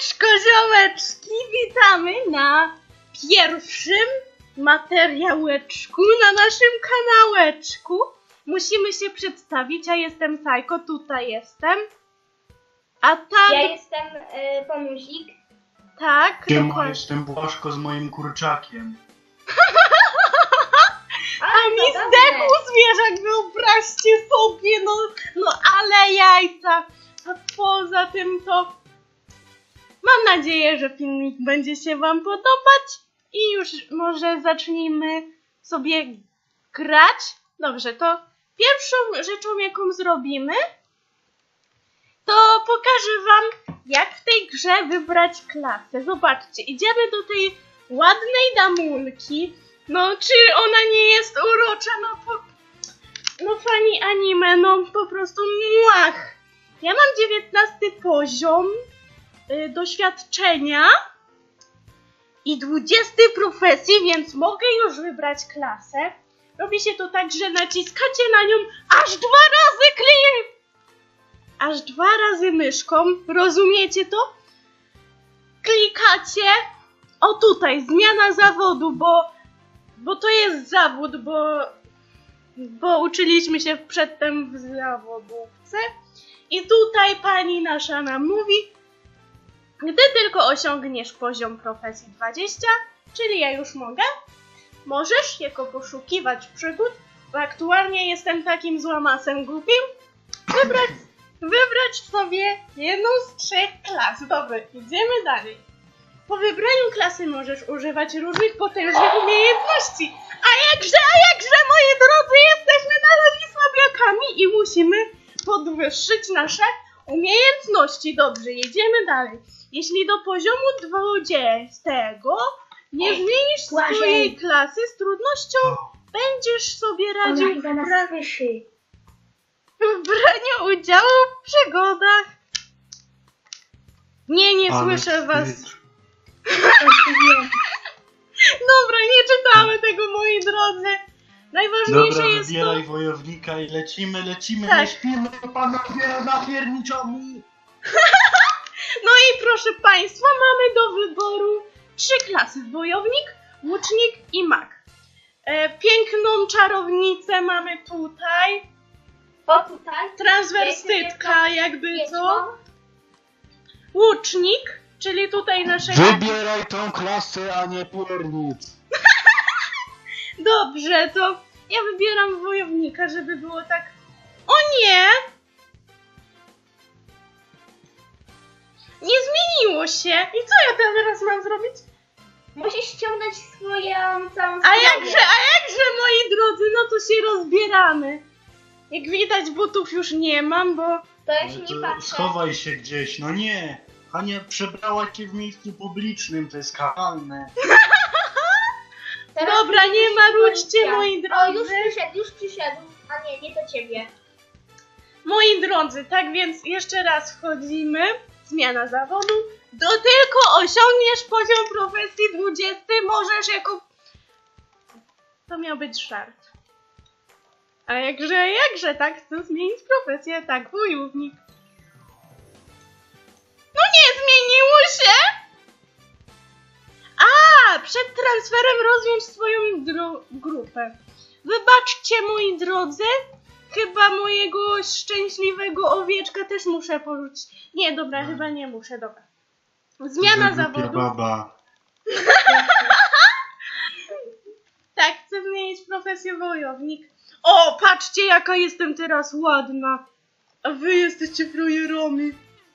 Koziołeczki, witamy na pierwszym materiałeczku na naszym kanałeczku. Musimy się przedstawić, ja jestem Sajko, tutaj jestem. A tam... Ja jestem Pomuzik. Tak, Ja jestem Błaszko z moim kurczakiem. A mi zdechł zwierzak, wyobraźcie sobie, no ale jajca. A poza tym to mam nadzieję, że filmik będzie się wam podobać i już może zacznijmy sobie grać. Dobrze, to pierwszą rzeczą, jaką zrobimy, to pokażę wam, jak w tej grze wybrać klasę. Zobaczcie, idziemy do tej ładnej damulki. No, czy ona nie jest urocza? No fani anime, no po prostu muach. Ja mam 19 poziom doświadczenia i 20 profesji, więc mogę już wybrać klasę. Robi się to tak, że naciskacie na nią aż 2 razy aż 2 razy myszką, rozumiecie to? Klikacie, o tutaj, zmiana zawodu, bo to jest zawód, bo uczyliśmy się przedtem w zawodówce. I tutaj pani nasza nam mówi, gdy tylko osiągniesz poziom profesji 20, czyli ja już mogę, możesz jako poszukiwać przygód, bo aktualnie jestem takim złamasem głupim, wybrać sobie jedną z 3 klas. Dobra, idziemy dalej. Po wybraniu klasy możesz używać różnych potężnych umiejętności. A jakże, moi drodzy, jesteśmy nadal słabiakami i musimy podwyższyć nasze umiejętności. Dobrze, jedziemy dalej. Jeśli do poziomu 20 nie zmienisz swojej klasy, z trudnością będziesz sobie radził w braniu udziału w przygodach. Nie słyszę was. Dobra, nie czytamy tego, moi drodzy. Najważniejsze Dobra, jest wybieraj to... wojownika i lecimy, Tak. nie śpimy, panowie napierniczami. No i proszę państwa, mamy do wyboru 3 klasy. Wojownik, łucznik i mag. Piękną czarownicę mamy tutaj. O tutaj. Transwestytka, jakby co. Łucznik, czyli tutaj naszego... Wybieraj tą klasę, a nie piernic. Dobrze, to ja wybieram wojownika, żeby było tak... O nie! Nie zmieniło się! I co ja teraz mam zrobić? Musisz ściągnąć swoją całą A jakże, moi drodzy, no to się rozbieramy. Jak widać, butów już nie mam, bo... To ja się nie patrzę. Schowaj się gdzieś, no nie. Hania przebrała cię w miejscu publicznym, to jest karalne. Teraz Dobra, nie marudźcie, moi O, drodzy. już przyszedł. A nie do ciebie. Moi drodzy, tak więc jeszcze raz wchodzimy. Zmiana zawodu. Do tylko osiągniesz poziom profesji 20, możesz jako... To miał być żart. A jakże, tak? Chcę zmienić profesję, tak, wojownik. No nie zmieniło się! A, przed transferem rozwiąż swoją grupę. Wybaczcie, moi drodzy, chyba mojego szczęśliwego owieczka też muszę porzucić. Nie, dobra, chyba nie muszę, dobra. Zmiana zawodu. Baba. Tak, chcę zmienić profesję wojownik. O, patrzcie, jaka jestem teraz ładna. A wy jesteście frajerami.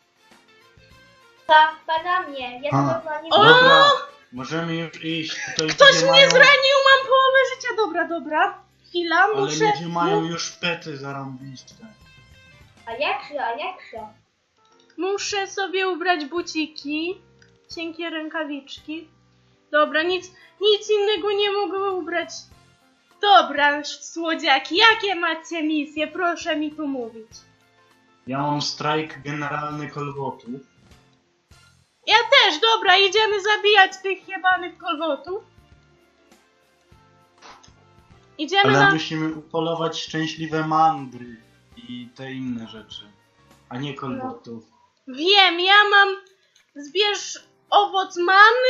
Pada mnie. Ja to A. normalnie... O! Dobra, możemy już iść. Tutaj Ktoś ludzie mnie mają, zranił, mam połowę życia. Dobra. Chwila, ale muszę... ludzie mają już pety zarąbiste. A jakże? Muszę sobie ubrać buciki. Cienkie rękawiczki. Dobra, nic innego nie mogę ubrać. Dobra, słodziaki, jakie macie misje? Proszę mi tu mówić. Ja mam strajk generalny kolwotów. Ja też, dobra, idziemy zabijać tych jebanych kolwotów. Idziemy Ale na... musimy upolować szczęśliwe mandry i te inne rzeczy, a nie kolwotów. Wiem, ja mam Zbierz owoc manny,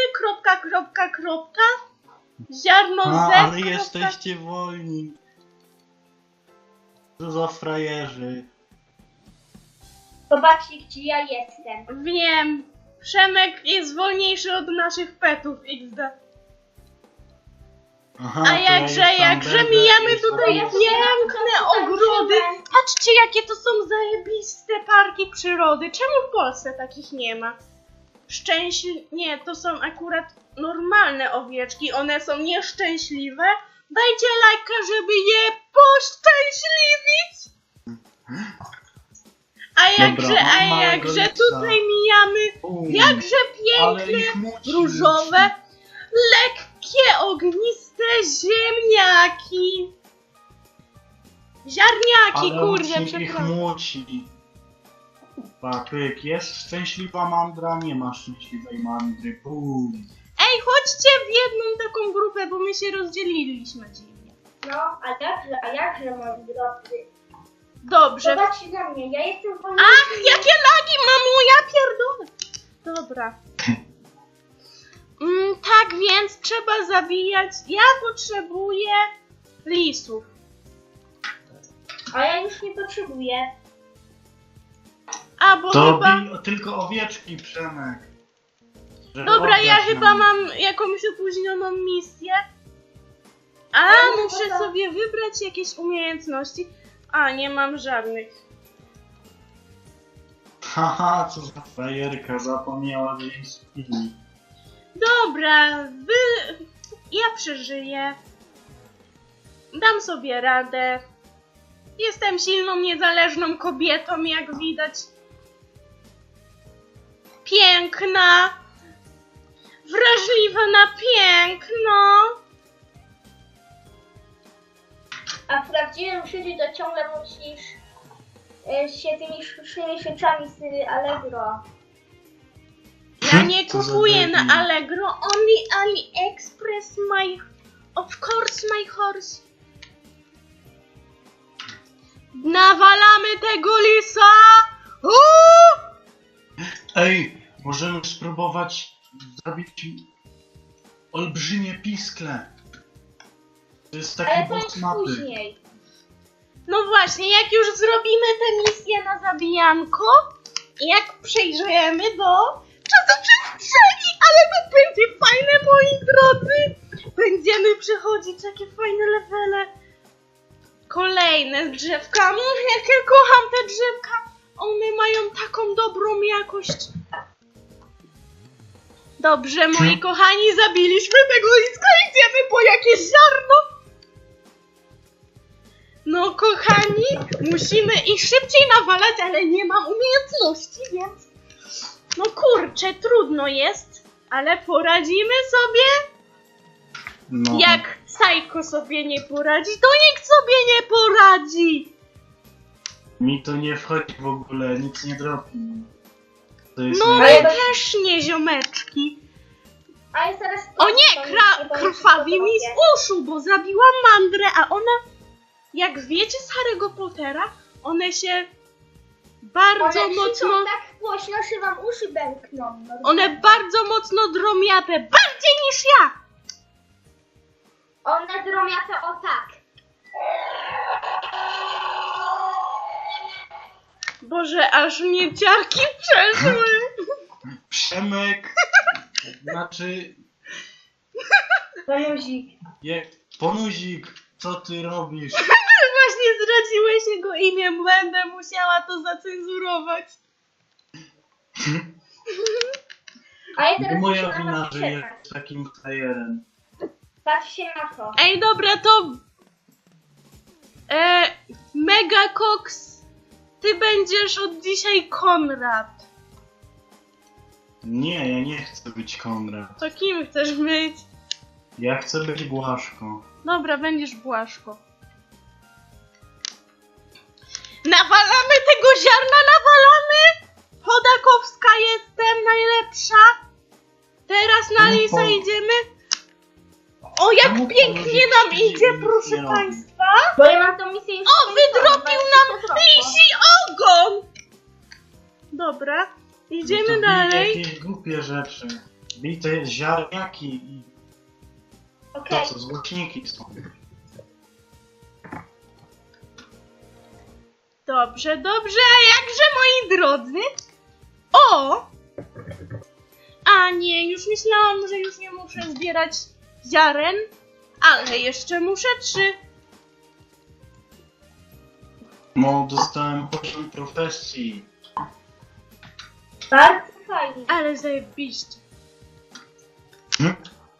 ziarno z. Ale jesteście wolni. Co za frajerzy. Zobaczcie, gdzie ja jestem. Wiem. Przemek jest wolniejszy od naszych petów XD. Aha, A to ja jakże jestem mijamy Bebe i tutaj sobie- piękne ogrody. Patrzcie, jakie to są zajebiste parki przyrody. Czemu w Polsce takich nie ma? Nie, to są akurat normalne owieczki. One są nieszczęśliwe. Dajcie lajka, żeby je poszczęśliwić. Dobra, mam A małego jakże lipsa. tutaj mijamy jakże Ale piękne, ich muci, różowe, lekkie, ogniste ziemniaki. Ziarniaki, ale kurde, ich przepraszam. muci. Patryk, jest szczęśliwa mandra, nie ma szczęśliwej mandry. Bum. Ej, chodźcie w jedną taką grupę, bo my się rozdzieliliśmy dziwnie. No, a jakże, moi drodzy. Dobrze. Zobaczcie na mnie, ja jestem wolny. Ach, jakie lagi, mamo, ja pierdolę. Dobra. Tak więc trzeba zabijać. Ja potrzebuję lisów. A ja już nie potrzebuję. A, bo To chyba... tylko owieczki, Przemek. Żeby Dobra, ja oddać chyba nam. mam jakąś opóźnioną misję. A, Ja muszę chyba- sobie wybrać jakieś umiejętności. A, nie mam żadnych. Haha, co za frajerka, zapomniała, że jej spili. Dobra, ja przeżyję. Dam sobie radę. Jestem silną, niezależną kobietą, jak widać. Piękna. Wrażliwa na piękno. A w prawdziwym życiu to ciągle musisz się tymi sztucznymi rzeczami z Allegro. Ja nie Co za kupuję debil. na Allegro, only AliExpress, of course my horse. Nawalamy tego lisa! Uuu! Ej, możemy spróbować zrobić olbrzymie piskle. To jest taki Ale to boss jest mapy. później. No właśnie, jak już zrobimy tę misję na zabijanko, jak przejrzymy do czasoprzestrzeni, ale to będzie fajne, moi drodzy! Będziemy przechodzić takie fajne levele. Kolejne drzewka. Jak ja kocham te drzewka. One mają taką dobrą jakość. Dobrze, moi kochani, zabiliśmy tego liska. Idziemy po jakieś ziarno. No, kochani, musimy ich szybciej nawalać, ale nie mam umiejętności, więc... No kurczę, trudno jest, ale poradzimy sobie. No. Jak Psycho sobie nie poradzi, to nikt sobie nie poradzi. Mi to nie wchodzi w ogóle, nic nie dropi. To jest No Ale my to- też nie, ziomeczki. A ja zaraz... O nie, krwawi mi z uszu, bo zabiłam mandrę, a ona, jak wiecie z Harry'ego Pottera, one się bardzo One mocno... krzyczą tak głośno, że wam uszy bękną. One bardzo mocno dromiapę, bardziej niż ja! One dromiate o tak. Boże, aż mnie ciarki przeszły. Przemek! Znaczy... Ponuzik. Ponuzik, co ty robisz? Właśnie zdradziłeś jego imię, będę musiała to zacenzurować. A ja Nie teraz moja muszę na wina, was że czekać. jest takim frajerem. Patrzcie na to. Ej, dobra, to... Mega Cox, ty będziesz od dzisiaj Konrad. Nie, ja nie chcę być Konrad. To kim chcesz być? Ja chcę być Błaszko. Dobra, będziesz Błaszko. Nawalamy tego ziarna, nawalamy! Chodakowska jestem najlepsza. Teraz na No Lisa po- idziemy. O, jak Czemu pięknie ponuzik nam nic idzie, nie proszę robi? państwa. Bo ja mam tą misję już O, skończoną, wydrobił zobaczcie, nam co zrobię. lisi ogon! Dobra, Idziemy To bij dalej. jakieś głupie rzeczy. Bij te ziarniaki i Okej. to co, złośniki są. Dobrze, dobrze, a jakże moi drodzy? O! A nie, już myślałam, że już nie muszę zbierać ziaren, ale jeszcze muszę 3. No, dostałem poziom profesji. Bardzo fajnie. Ale zajebiście. Hm?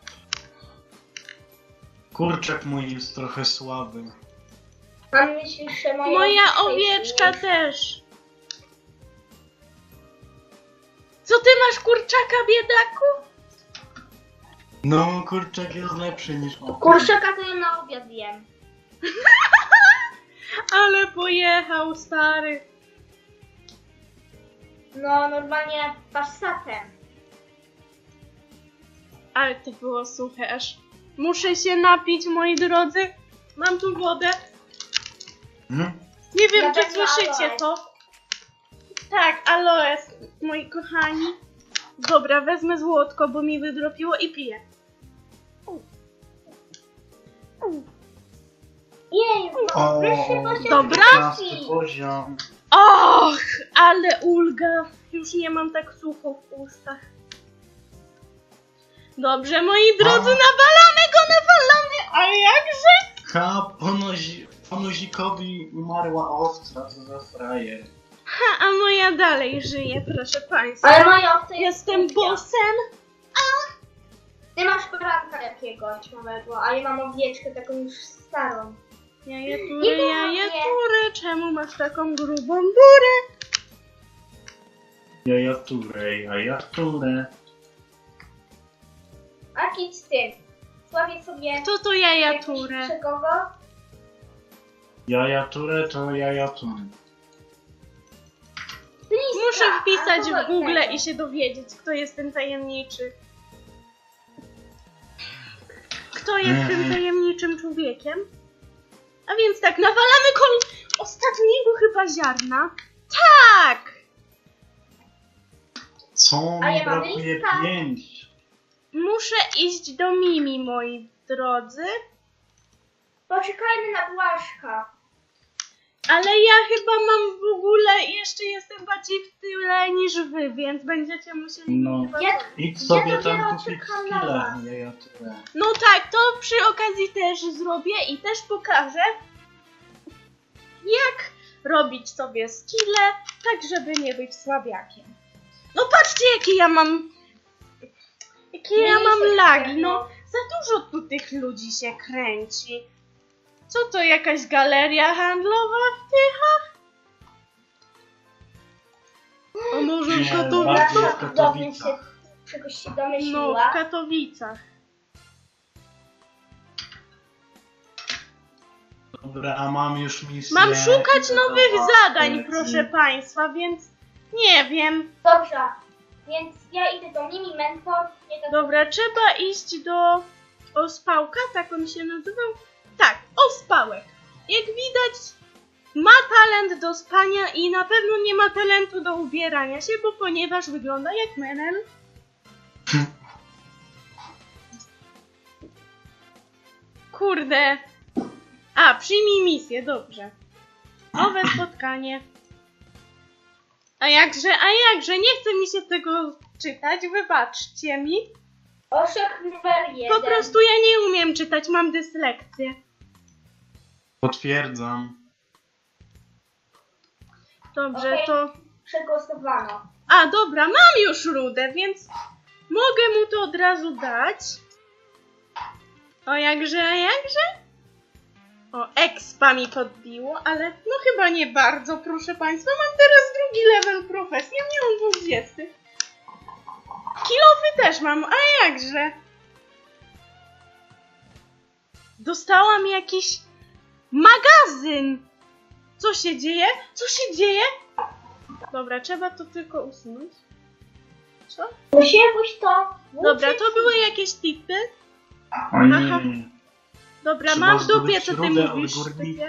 Kurczak mój jest trochę słaby. A myślisz, że Moja owieczka też. Co ty masz, kurczaka, biedaku? No, kurczak jest lepszy niż oko. Kurczaka to ja na obiad jem. Ale pojechał, stary. No, normalnie passatem. Ale to było suche, aż muszę się napić, moi drodzy. Mam tu wodę. Hmm? Nie wiem, Ja czy wezmę słyszycie aloes. to. Tak, aloes, moi kochani. Dobra, wezmę złotko, bo mi wydropiło i piję. Jej, O, wyższy poziom Dobra. 15 profesji. poziom. Och, ale ulga. Już nie mam tak sucho w ustach. Dobrze, moi drodzy, A. nawalamy go, nawalamy. A jakże? Ha, ponozikowi umarła owca, co za frajer. Ha, a moja dalej żyje, proszę państwa. Ale moja owca jest Jestem głupia. bossem. Ty masz poranka jakiegoś małego, a ja mam owieczkę taką już starą. Jajetury, Nie jajetury, czemu masz taką grubą burę? Jajaturę. A idź z tym. Sławię sobie Kto to jakiś jajaturę? przegowo. Jajaturę to jajaturę. Muszę wpisać a w Google innego. i się dowiedzieć, kto jest ten tajemniczy. Kto jest tym tajemniczym człowiekiem? A więc tak, nawalamy ostatniego chyba ziarna. Tak! Co A mi ja mam brakuje? lista. 5. Muszę iść do Mimi, moi drodzy. Poczekajmy na Błaszka. Ale ja chyba mam w ogóle, jeszcze jestem bardziej w tyle niż wy, więc będziecie musieli... No. chyba- Ja- Idź sobie Ja dopiero tam kupić czekam na skilla, was. jajaturę. No tak, to przy okazji też zrobię i też pokażę, jak robić sobie skille, tak żeby nie być słabiakiem. No patrzcie, jakie ja mam... Jakie ja mam lagi, no. Za dużo tu tych ludzi się kręci. Co to, jakaś galeria handlowa w Tychach? A może Nie, w Katowicach? bardziej w Nasza budownia się Katowicach. czegoś się No, w domyśliła. Katowicach. Dobra, a mam już misję. Mam szukać nowych Gotowa, zadań, polecimy. proszę państwa, więc nie wiem. Dobrze, więc ja idę do Mimi Mentor. Nie do... Dobra, trzeba iść do Ospałka, tak on się nazywał? Tak, Ospałek. Jak widać, ma talent do spania i na pewno nie ma talentu do ubierania się, bo ponieważ wygląda jak menel. Kurde. A, przyjmij misję, dobrze. Nowe spotkanie. A jakże, nie chce mi się tego czytać, wybaczcie mi. Orzech numer 1. Po prostu ja nie umiem czytać, mam dyslekcję. Potwierdzam. Dobrze, Okej. to... Przegłosowano. A, dobra, mam już rudę, więc mogę mu to od razu dać. O, jakże. O, expa mi podbiło, ale no chyba nie bardzo, proszę państwa. Mam teraz drugi level profesji, ja miałam 20. Kilofy też mam, a jakże? Dostałam jakiś magazyn. Co się dzieje? Co się dzieje? Dobra, trzeba to tylko usunąć. Co? Musiałbyś to... Dobra, to były jakieś tipy. O nie. Aha. Dobra, Trzeba mam w dupie, zdobyć co ty rudę od mówisz. górników.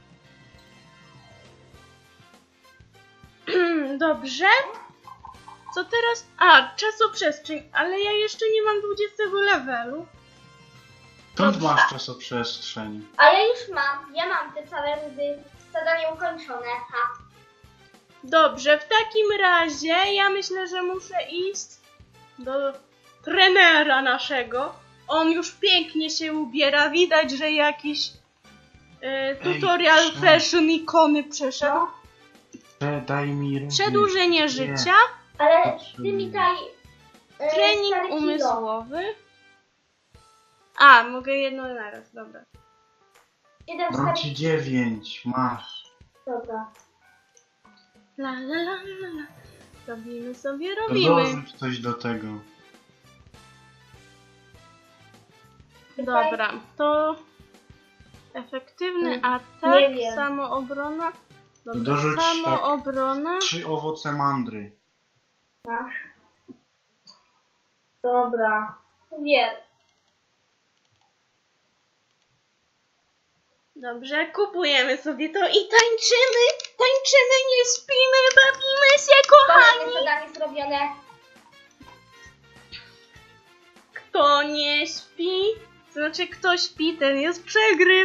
Dobrze. Co teraz? A, czasoprzestrzeń, ale ja jeszcze nie mam 20 levelu. Skąd Dobrze. masz czasoprzestrzeń? A ja już mam. Ja mam te całe rudy. Zadanie ukończone. Ha. Dobrze, w takim razie ja myślę, że muszę iść do trenera naszego. On już pięknie się ubiera, widać, że jakiś tutorial Ej, fashion ikony przeszedł. Daj mi również. Przedłużenie życia, Ale ty mi daj... trening stare kilo. umysłowy. A, mogę jedno naraz, dobra. Jeden Dam stary... ci 9, masz. Dobra. La la la la la. Robimy sobie, To robimy. dorzuć coś do tego. Dobra, to efektywny Nie atak, wiem. samoobrona. Dobra, Dorzuć tak. samoobrona. 3 owoce mandry. Masz. Dobra. Wiem. Dobrze, kupujemy sobie to i tańczymy, tańczymy, nie śpimy, bawimy się, kochani. Kolejne zadanie zrobione. Kto nie śpi, to znaczy kto śpi, ten jest przegryw.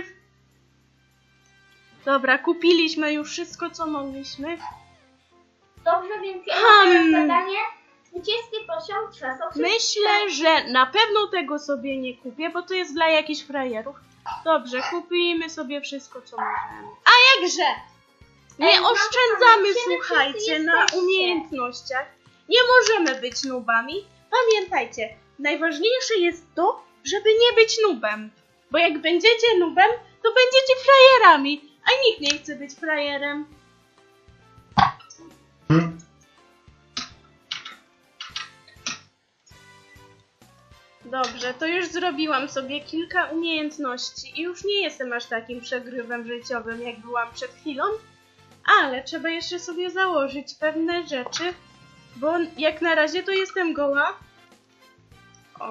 Dobra, kupiliśmy już wszystko, co mogliśmy. Dobrze, więc ja mam teraz zadanie. 20 poziom czasoprzestrzeni. Myślę, że na pewno tego sobie nie kupię, bo to jest dla jakichś frajerów. Dobrze, kupimy sobie wszystko, co możemy. A jakże? Nie Ej, oszczędzamy, gdzie wy słuchajcie, wszyscy na jesteście? umiejętnościach. Nie możemy być nubami. Pamiętajcie, najważniejsze jest to, żeby nie być nubem. Bo jak będziecie nubem, to będziecie frajerami. A nikt nie chce być frajerem. Dobrze, to już zrobiłam sobie kilka umiejętności i już nie jestem aż takim przegrywem życiowym, jak byłam przed chwilą, ale trzeba jeszcze sobie założyć pewne rzeczy, bo jak na razie to jestem goła. O.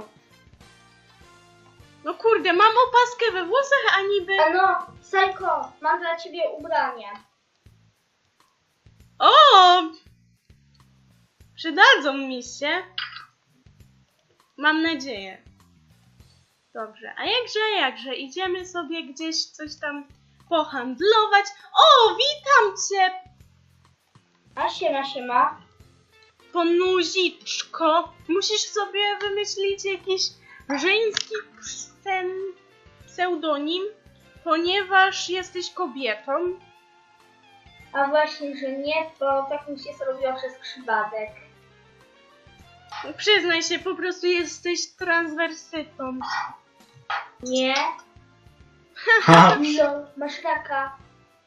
No kurde, mam opaskę we włosach, a niby... Ano, Sajko, mam dla ciebie ubranie. O! Przydadzą mi się. Mam nadzieję. Dobrze, a jakże, idziemy sobie gdzieś coś tam pohandlować. O, witam cię, A siema. ponuziczko. Musisz sobie wymyślić jakiś żeński pseudonim, ponieważ jesteś kobietą. A właśnie, że nie, bo tak mi się zrobiło przez przypadek. Przyznaj się, po prostu jesteś transwersytą. Nie? Ha! No, masz raka.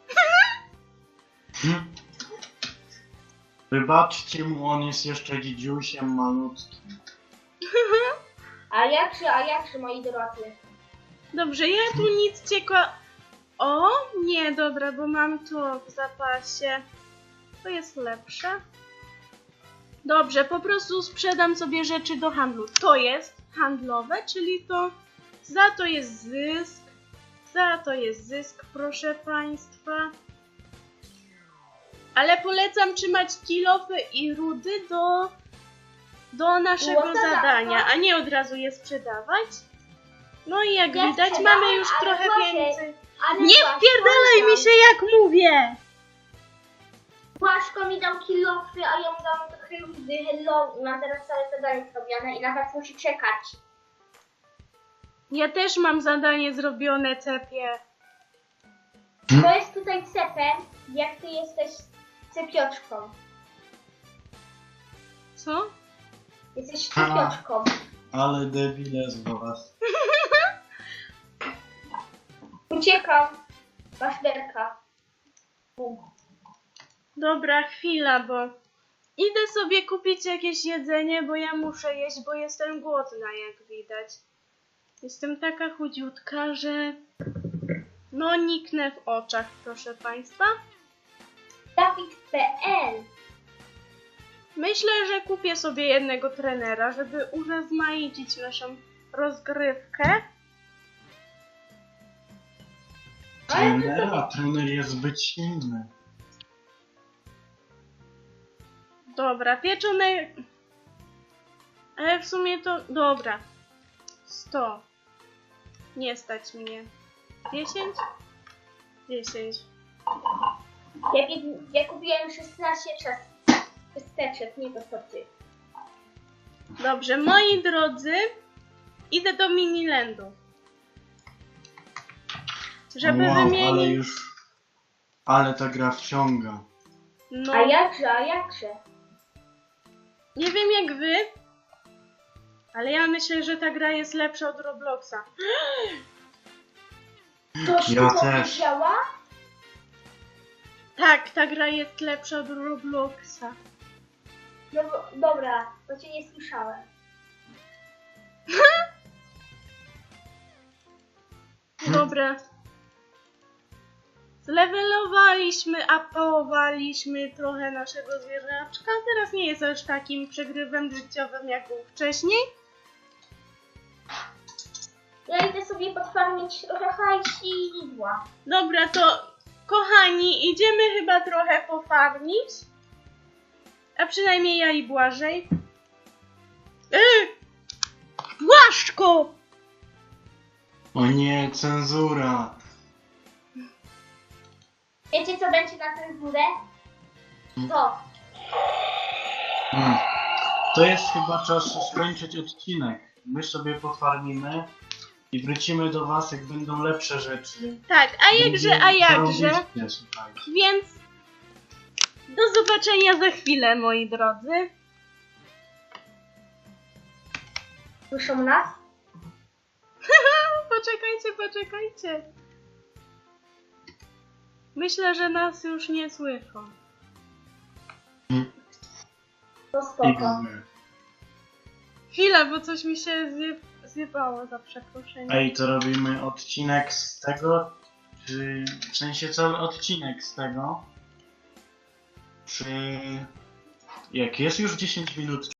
Wybaczcie mu, on jest jeszcze dzidziusiem malutkim. A jakże, moi drodzy? Dobrze, ja tu nic O, nie, dobra, bo mam to w zapasie. To jest lepsze. Dobrze, po prostu sprzedam sobie rzeczy do handlu. To jest handlowe, czyli to za to jest zysk. Za to jest zysk, proszę Państwa. Ale polecam trzymać kilofy i rudy do naszego zadania, a nie od razu je sprzedawać. No i jak Ja widać, sprzedałam, mamy już ale trochę właśnie, więcej. Ale Nie wpierdalaj mi się, jak mówię! Błaszko mi dał kilofy, a ja mu dałam trochę rudy. Hello, i mam teraz całe zadanie zrobione i na was musi czekać. Ja też mam zadanie zrobione, cepie. To jest tutaj cepem, jak ty jesteś cepioczką. Co? Jesteś Ha. cepioczką. Ale debile z was. Uciekam. Masz derka. Dobra, chwila, bo idę sobie kupić jakieś jedzenie, bo ja muszę jeść, bo jestem głodna, jak widać. Jestem taka chudziutka, że no niknę w oczach, proszę Państwa. Dawid.pl. Myślę, że kupię sobie jednego trenera, żeby urozmaicić naszą rozgrywkę. Trener jest zbyt silny. Dobra, pieczone... Ale w sumie to... Dobra. 100. Nie stać mnie. 10? 10. Ja kupiłem 16 ciasteczek, nie to co ty. Dobrze, moi drodzy, idę do Minilandu. Żeby Wow, ale wymienić... już... Ale ta gra wciąga. No, A jakże? nie wiem jak wy, ale ja myślę, że ta gra jest lepsza od Robloxa. Ktoś Ja tu też. powiedziała? Tak, ta gra jest lepsza od Robloxa. No dobra, bo cię nie słyszałem. Dobra. Zlewelowaliśmy, upowaliśmy trochę naszego zwierzaczka. Teraz nie jest aż takim przegrywem życiowym jak był wcześniej. Ja idę sobie podfarmić trochę hajsidła. Dobra, to kochani, idziemy chyba trochę pofarmić. A przynajmniej ja i Błażej. Błaszczko! O nie, cenzura. Wiecie co będzie na cenzurę? To. To jest chyba czas skończyć odcinek. My sobie pofarmimy i wrócimy do was, jak będą lepsze rzeczy. Tak, a jakże, a jakże. Zarąbiście, słuchajcie. Więc do zobaczenia za chwilę, moi drodzy. Słyszą nas? Poczekajcie. Myślę, że nas już nie słyszą. To I spoko. my. Chwila, bo coś mi się zjebało, za przeproszeniem. Ej, to robimy odcinek z tego? Czy... W sensie cały odcinek z tego? Czy... Jak jest już 10 minut